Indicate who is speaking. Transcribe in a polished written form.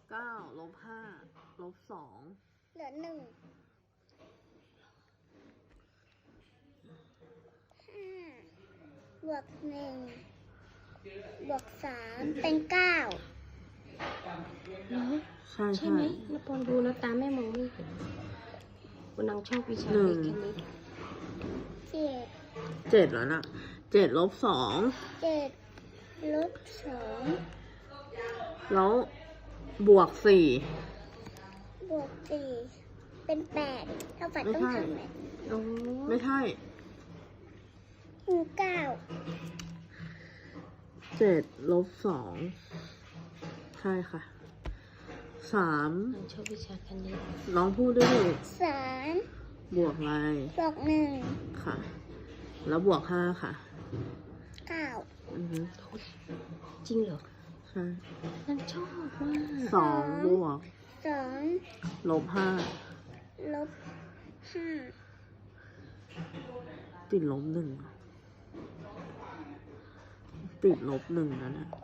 Speaker 1: 9 -5 -2
Speaker 2: เหลือ1 5 บวก 1 บวก 3 เป็น 9
Speaker 3: เนาะ
Speaker 1: ใช่
Speaker 3: ใช่ไหมแล้วปอนดูแล้วตาแม่มองไม่เห็นวันนังชอบวิชา
Speaker 1: หนึ่
Speaker 3: เล
Speaker 1: ง
Speaker 3: ขคณิต
Speaker 2: 7
Speaker 1: 7แล้วนะ7 -2
Speaker 2: 7 ลบ 2
Speaker 1: แล้วบวก
Speaker 2: บวก 4 เป็น 8 เท่ากับต้องทำแบบ
Speaker 3: โอ้
Speaker 1: 4ไม่ใช่
Speaker 2: 9
Speaker 1: 7 -2ใช่ค่ะ3
Speaker 3: นังชอบวิชาคณิต
Speaker 1: น้องพูดด้วยดิ
Speaker 2: 3
Speaker 1: บวกอะไร
Speaker 2: บวก 1
Speaker 1: ค่ะ แล้วบวก5ค่ะ
Speaker 2: 9
Speaker 1: อือฮึ
Speaker 3: จริงเหรอ
Speaker 1: ใช่
Speaker 3: นังชอบมาก
Speaker 1: 2 บวก
Speaker 2: 2
Speaker 1: ลบ 5
Speaker 2: ลบ 5
Speaker 1: ติดลบ 1ติดลบ 1นะเนี่ย